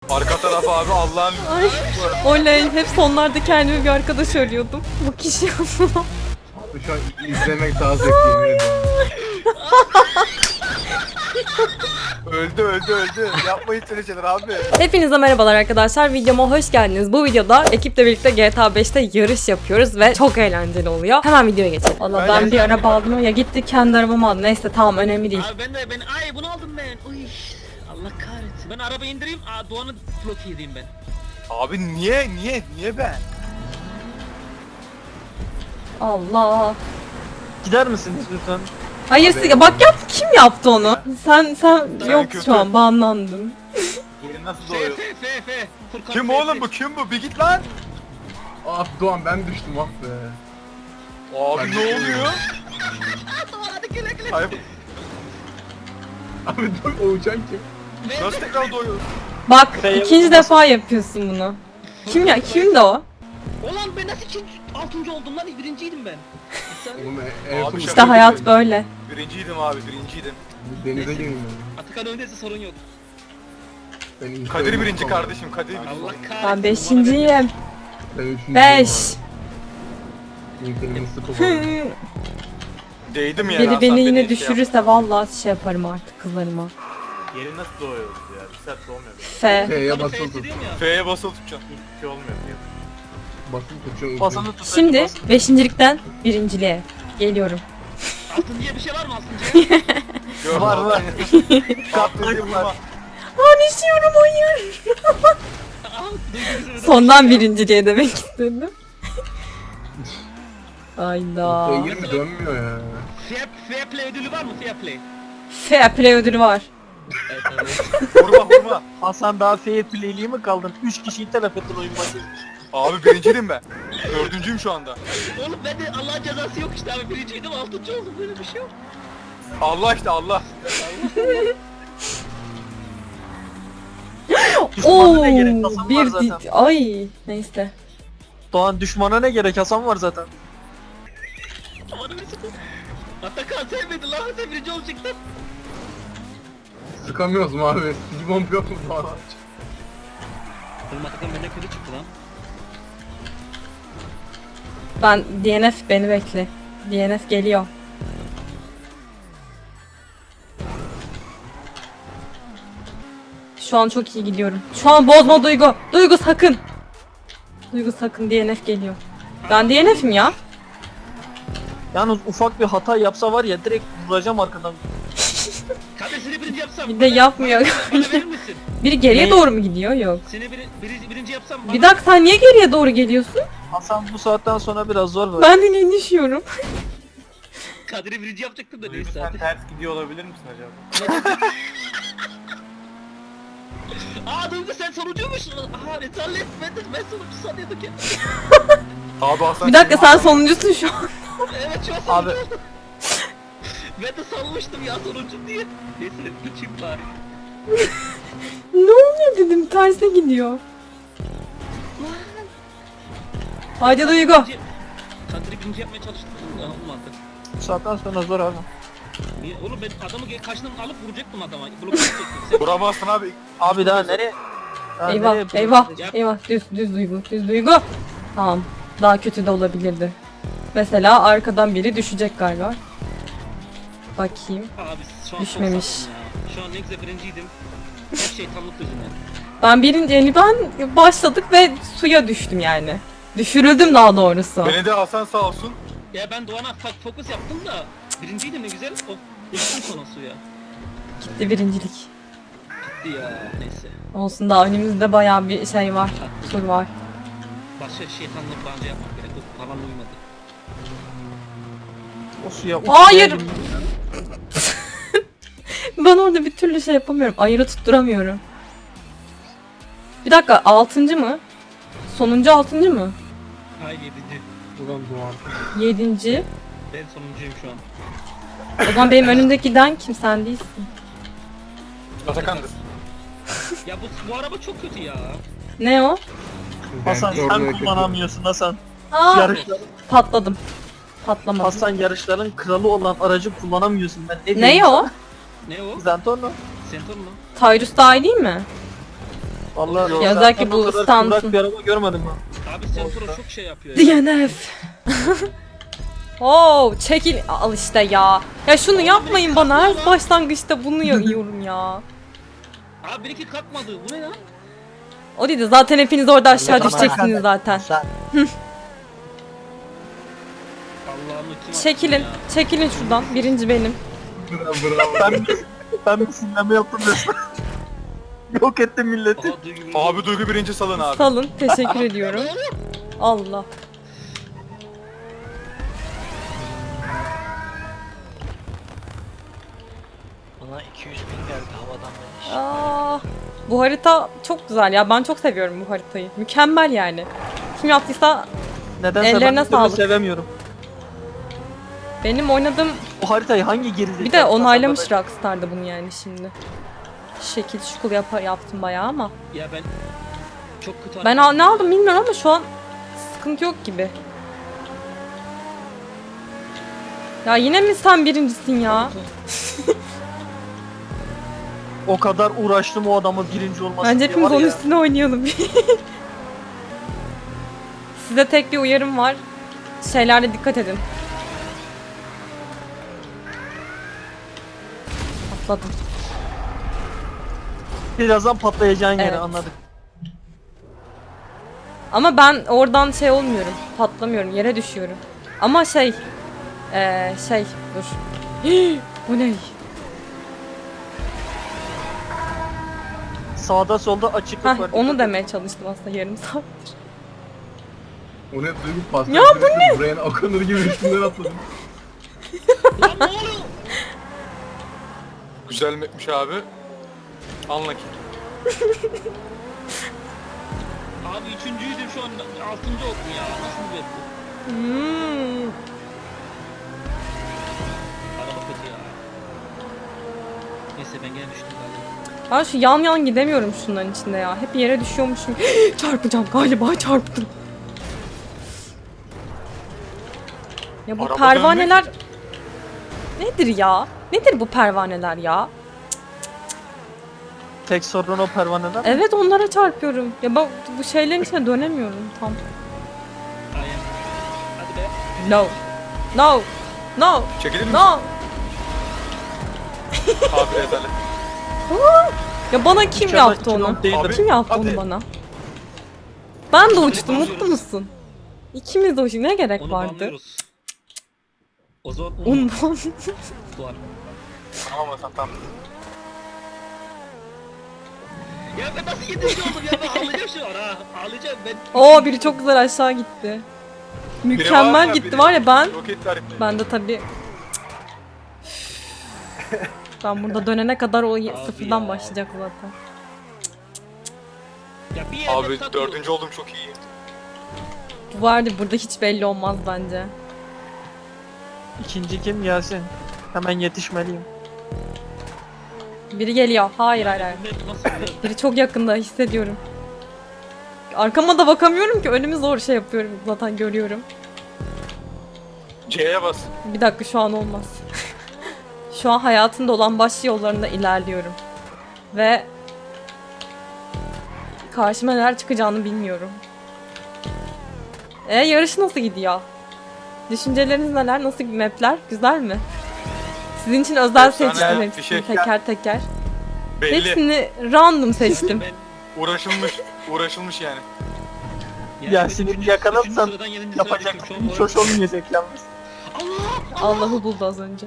Arka taraf abi Allah'ın... Ay, oley. Hep sonlarda kendime bir arkadaş arıyordum. Bu kişi yapıyor. Şu an izlemek daha zevkli yemin ederim. öldü. Yapmayın öyle şeyler abi. Hepinize merhabalar arkadaşlar. Videoma hoş geldiniz. Bu videoda ekiple birlikte GTA 5'te yarış yapıyoruz ve çok eğlenceli oluyor. Hemen videoya geçelim. Valla ben bir araba aldım ya gitti kendi arabamı aldım. Neyse tamam önemli değil. Abi ben ay bunu aldım ben. Uy. Allah kahretsin. Ben araba indireyim. Doğan'ı bloke edeyim ben. Abi niye ben? Allah. Gider misiniz lütfen? Hayır ya bak yap kim yaptı onu? Sen yok kötü. şu an banlandın. Yeri nasıl F doğuyor? F. Furkan Kim F, oğlum F. bu kim bu? Bir git lan. Ah Doğan ben düştüm ah be. Abi ne oluyor? Doğan hadi güle güle. Hayır, Abi dur o uçan kim? nasıl tekrar doğuyor? Bak F ikinci defa yapıyorsun bunu. Kimdi o? Ulan ben nasıl 6. oldum lan? Birinciydim ben. Sen Oğlum Abi Ertuğrul İşte hayat böyle. Birinciydim abi birinciydim. denize girmiyor. Atakan öndeyse sorun yok. Kadir birinci kardeşim Kadir birinci. Allah kahretsin. Ben beşinciyim. Ben üçüncüyüm. 5. İnternetin sıkı var. Değdim yani. Biri Hasan beni yine şey düşürürse vallahi şey yaparım artık kızlarıma. Yeri nasıl doğuyoruz ya? Bir saat doğmuyor. F. F'ye Bana basılı F'si tut. diyorum ya. F'ye basılı tutacaksın. Hiçbir şey olmuyor diyor. Basılı tutuyorsun. Basını tut. Şimdi beşincilikten birinciliğe geliyorum. Altıncıya bir şey var mı altıncıya? Gör Var, var. Kaptırdı vurma. Aa düşüyorum hayır. Sondan birinciliğe demek istedim. Ayda. F'ye mi dönmüyor ya? Fair play ödülü var mı? Fair play. Fair play ödülü var. Evet, evet. Vurma. Hasan daha fair play'liği mi kaldın? 3 kişiyi telef ettin oyun başı. Abi birinciydim ben. Dördüncüyüm şu anda. Oğlum bende Allah'ın cezası yok işte abi. Birinciydim 6. oldum. Böyle bir şey yok. Allah işte Allah. Oo, Düşmana ne gerek? Hasan var bir zaten. ay neyse. Doğan düşmana ne gerek? Hasan var zaten. Aman Mesut. Atakan sevmedi lan. Sen birinci olacaktın. Sıkamıyoruz mu abi? Bir bomb yok mu Doğan? Oğlum Atakan benden kötü çıktı lan. Ben DNF beni bekle. DNF geliyor. Şu an çok iyi gidiyorum. Şu an bozma Duygu. Duygu sakın. Duygu sakın DNF geliyor. Ben DNF'im ya. Yalnız ufak bir hata yapsa var ya direkt vuracağım arkadan. Kardeş seni birinci yapsam. Bir de yapmıyor. Bana verir misin? Biri geriye Ne? doğru mu gidiyor? Yok. Seni birinci yapsam bana... Bir dakika sen niye geriye doğru geliyorsun? Hasan bu saatten sonra biraz zor var. Ben de niye düşüyorum? Kadir'i birinci yapacaktım da Duygu neyse sen hadi. ters gidiyor olabilir misin acaba? Duygu sen sonuncuymuş. Rezalet. Ben sonuncu sanıyordum ki. Abi Hasan. Bir dakika sen sonuncusun şu an. Evet şu an Abi sonuncu. Ben de sanmıştım ya sonuncu diye. Neyse geçeyim bari. Ne oluyor dedim terse gidiyor. Haydi Duygu. Kadir'i birinci yapmaya çalıştım da olmadı. bu saatten sonra zor abi. Niye? Oğlum ben adamı karşıdan alıp vuracaktım adama. Blok edecektim. Sen... Vuramazsın abi. Abi daha nereye? Daha Eyvah nereye eyvah yapacağız? eyvah düz Duygu düz Duygu. Tamam daha kötü de olabilirdi. Mesela arkadan biri düşecek galiba. Bakayım. Abi şu an Düşmemiş. çok sattım ya. Şu an ne güzel birinciydim. Hep şeytanlık yüzünden. Ben birinci yani ben başladık ve suya düştüm yani. Düşürüldüm daha doğrusu. Beni de Hasan sağ olsun. Ya ben Doğan'a fokus yaptım da birinciydim ne güzel. O düştüm sonra suya. Gitti birincilik. Gitti ya neyse. Olsun daha önümüzde bayağı bir şey var. Tur var. Başka şeytanlık bence yapmak gerek. O bana uymadı. O suya Hayır. uçmaya- Ben orada bir türlü şey yapamıyorum. Ayırı tutturamıyorum. Bir dakika 6. mı? Sonuncu 6. mı? Hayır 7. Ulan Doğan. 7. Ben sonuncuyum şu an. O zaman benim önümdeki giden kim sen değilsin. Atakan'dır. Ya bu araba çok kötü ya. Ne o? Hasan Ben sen orada kullanamıyorsun Hasan. Aa, Yarışların, patladım. Patlamadım. Hasan yarışların kralı olan aracı kullanamıyorsun. Ben ne Ne diyeyim o? sana? Ne o? Zentorno. Senton mu? Tyrus daha iyi değil mi? Vallahi Ya özellikle bu o kadar stansın. kıvrak bir araba görmedim ben. Abi Sentro çok şey yapıyor ya. DNF. Oo, çekil. Al işte ya. Ya şunu yapmayın bana. Her başlangıçta bunu yiyorum ya. Abi benimki kalkmadı. Bu ne ya? O değil de zaten hepiniz orada aşağı Tamam. düşeceksiniz zaten. Allah'ım kim Çekilin. attı ya? Çekilin şuradan. Birinci benim. Bravo. Ben bir sinirlenme yaptım resmen. Yok ettim milleti. Aha, Duygu birinci. Abi Duygu birinci salın abi. Salın. Teşekkür ediyorum. Allah. Bana 200 bin geldi havadan beleş. Aa, bu harita çok güzel ya. Ben çok seviyorum bu haritayı. Mükemmel yani. Kim yaptıysa Nedense Ellerine ben bir türlü sağlık. sevemiyorum. benim oynadığım... Bu haritayı hangi gerizekalı... Bir de onaylamış Rockstar'da bunu yani şimdi. Şekil şukul yaptım bayağı ama. Ya ben çok kötü Ben ne aldım bilmiyorum ama şu an sıkıntı yok gibi. Ya yine mi sen birincisin ya? O kadar uğraştım o adamın birinci olması Bence diye hepimiz var onun ya. üstüne oynayalım. Size tek bir uyarım var. Şeylerde dikkat edin. Atladım. Birazdan patlayacağın yere Evet. anladık. Ama ben oradan şey olmuyorum. Patlamıyorum. Yere düşüyorum. Ama şey dur. Bu ne? Sağda solda açıklık Hah, var. onu demeye çalıştım aslında yarım saattir. O ne duygu pasta. Ya bu ne? Buraya Okanur gibi üstünden atladım. Lan ne oluyor? Güzel mapmiş abi. Anla ki. Abi üçüncüydüm şu an 6. oldum ya. Nasıl bir web bu? Araba kötü ya. Neyse ben gene düştüm galiba. Ben şu yan gidemiyorum şunların içinde ya. Hep yere düşüyormuşum. Çarpacağım galiba çarptım. Ya bu Araba pervaneler... Nedir ya? Nedir bu pervaneler ya? Tek sorun o pervaneler. Evet onlara çarpıyorum. Ya bak bu şeylerin içine dönemiyorum tam. Aynen. Hadi be. No. No. No. Çekilir misin? No. Abi rezalet. Ya bana kim İnşallah yaptı onu? iki değildir. Abi, Kim yaptı hadi. onu bana? Ben de uçtum. Mutlu musun? İkimiz de uçtuk. Ne gerek Onu vardı? banlıyoruz. O zaman Unvan. var. Tamam Hasan tamam. Ya ben nasıl 7. oldum ya, ben ağlayacağım şu an ha. Ağlayacağım ben. Oo biri çok güzel aşağı gitti. Mükemmel ya, gitti biri. var ya ben. Roket tarifleri. Ben de tabii. Ben burada dönene kadar o sıfırdan ya. başlayacak zaten. Ya bir yerde Abi takılıyorum. 4. oldum çok iyi. Bu vardı burada hiç belli olmaz bence. İkinci kim gelsin? Hemen yetişmeliyim. Biri geliyor. Hayır hayır hayır. Bu map nasıl ya? Biri çok yakında hissediyorum. Arkama da bakamıyorum ki önümü zor şey yapıyorum zaten görüyorum. C'ye bas. Bir dakika şu an olmaz. Şu an hayatımda olan baş yollarında ilerliyorum. Ve karşıma neler çıkacağını bilmiyorum. Yarış nasıl gidiyor? Düşünceleriniz neler? Nasıl mapler? Güzel mi? Sizin için özel Efsane, seçtim bir hepsini şey. teker teker. Belli. Hepsini random seçtim. Ben Uğraşılmış. Uğraşılmış yani. Ya ben sinirli üçüncü yakalarsan sıradan 7. sıraya Yapacak düştüm. Şu an hiç hoş olmayacak yalnız. Allah'ı buldu az önce.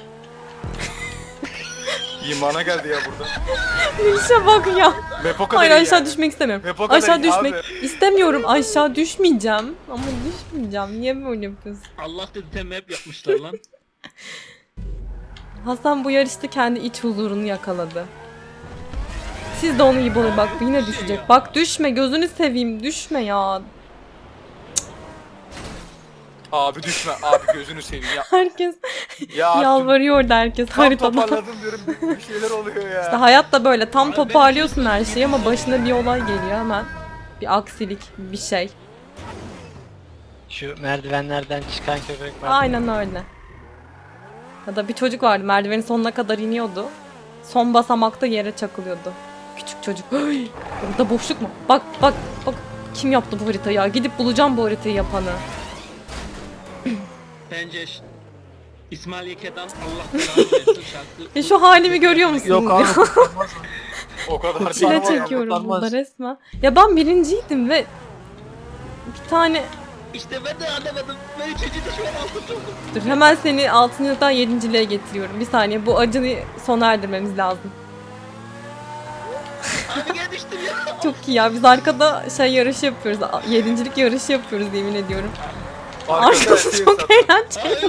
İmana geldi ya burada. İşe bak ya. Map o kadar Hayır iyi aşağı yani. düşmek istemiyorum. Map o kadar Aşağı iyi düşmek abi. istemiyorum. Aşağı düşmeyeceğim. Ama düşmeyeceğim. Niye böyle yapıyorsun? Allah dedi tem map yapmışlar lan. Hasan bu yarışta kendi iç huzurunu yakaladı. Siz de onu iyi bulun. Bak bu yine düşecek. Bak düşme gözünü seveyim. Düşme ya. Abi düşme. Abi gözünü seveyim ya. Herkes Ya artık yalvarıyor da herkes tam haritada. toparladım diyorum. Bir şeyler oluyor ya. İşte hayat da böyle tam Abi ben toparlıyorsun her düşündüm, şeyi ama yemin başına bir olay geliyor hemen. Bir aksilik, bir şey. Şu merdivenlerden çıkan köpek var. Aynen öyle. Ya da bir çocuk vardı merdivenin sonuna kadar iniyordu. Son basamakta yere çakılıyordu. Küçük çocuk. Ay, burada boşluk mu? Bak bak bak. Kim yaptı bu haritayı ya? Gidip bulacağım bu haritayı yapanı. Bence İsmail Yeke'den Allah belanı versin şarkı. Ya şu halimi görüyor musunuz? Yok abi. O kadar Çile değil. çekiyorum kurtarmaz. burada resmen. Ya ben birinciydim ve bir tane... İşte ben de anlamadım. Ben üçüncüde şu an altıncı oldum. Dur hemen seni 6.dan 7.liğe getiriyorum. Bir saniye bu acıyı sona erdirmemiz lazım. Abi gel düştüm ya. Çok iyi ya biz arkada şey yarışı yapıyoruz. 7.lik yarışı yapıyoruz yemin ediyorum. Arkası çok eğlenceli.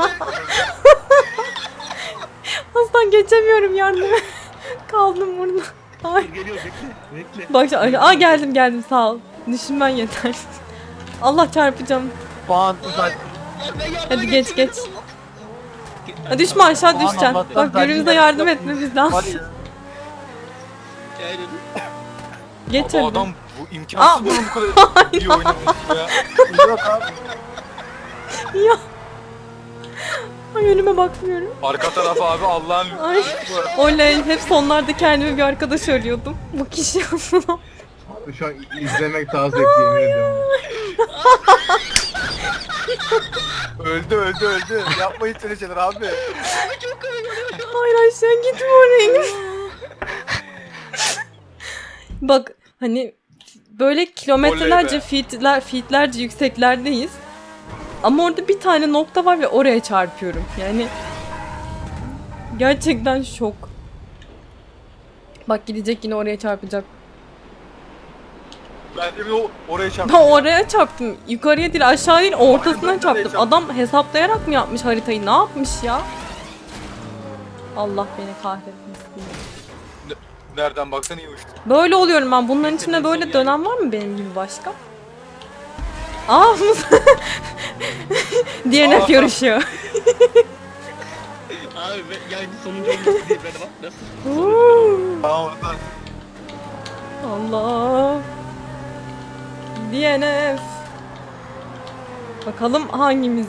Aslan geçemiyorum yardım et. Kaldım burada. Ay. Geliyor bekle. Bekle. Bak geldim sağ ol. Düşünmen yeter. Allah çarpacağım. Puan uzak. Hadi geç. Ha, düşme aşağı düşeceksin. Allah'tan Bak birbirimize ben yardım yaptım. etmemiz Var lazım. ya. Aynen. Geç Bu hadi. adam bu imkansız bunun bu kadar iyi oynaması ya. Yok abi. Ya. Ay önüme bakmıyorum. Arka taraf abi Allah'ın Ay. Oley. Hep sonlarda kendime bir arkadaş arıyordum. Bu kişi aslında. Şu an izlemek daha zevkli yemin ediyorum. öldü. Yapmayın şöyle şeyler abi. Hayır aşağı gitme oraya. Bak hani böyle kilometrelerce feetlerce yükseklerdeyiz. Ama orada bir tane nokta var ve oraya çarpıyorum. Yani gerçekten şok. Bak gidecek yine oraya çarpacak. Ben de bir oraya Ben çarptım. oraya çarptım. Yukarıya değil aşağı değil ortasına ben de çarptım. çarptım. Adam hesaplayarak mı yapmış haritayı? Ne yapmış ya? Allah beni kahretmesin. Nereden baksan iyi uçtu. Böyle oluyorum ben. Bunların içinde böyle dönem var mı benim gibi başka? Aa DNF yarışıyor. Abi ben yani sonuncu olması değil böyle bak nasıl. Tamam oradan. Allah. DNF. Bakalım hangimiz?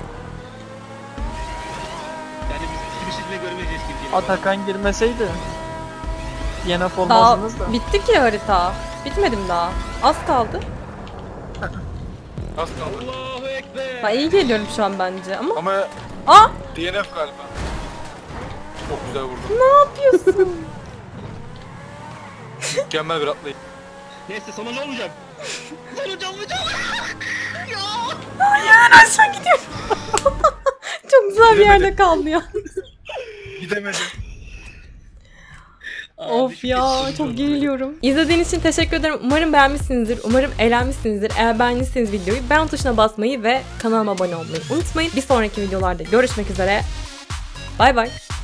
Yani biz hiçbir şekilde görmeyeceğiz gibi geliyor. Atakan girmeseydi. DNF Daha olmazdınız da. bitti ki harita. Bitmedim daha. Az kaldı. Nasıl kaldı? Allahu Ekber. Ben iyi geliyorum şu an bence ama. Ama Aa! DNF galiba. Çok güzel vurdun. Ne yapıyorsun? Mükemmel bir atlayış. Neyse sonuncu olmayacağım. Sonuncu olmayacağım. Aşağı gidiyorum. Çok güzel bir yerde kaldı ya. Gidemedim. Of ya çok geriliyorum. İzlediğiniz için teşekkür ederim. Umarım beğenmişsinizdir. Umarım eğlenmişsinizdir. Eğer beğendiyseniz videoyu beğen tuşuna basmayı ve kanalıma abone olmayı unutmayın. Bir sonraki videolarda görüşmek üzere. Bay bay.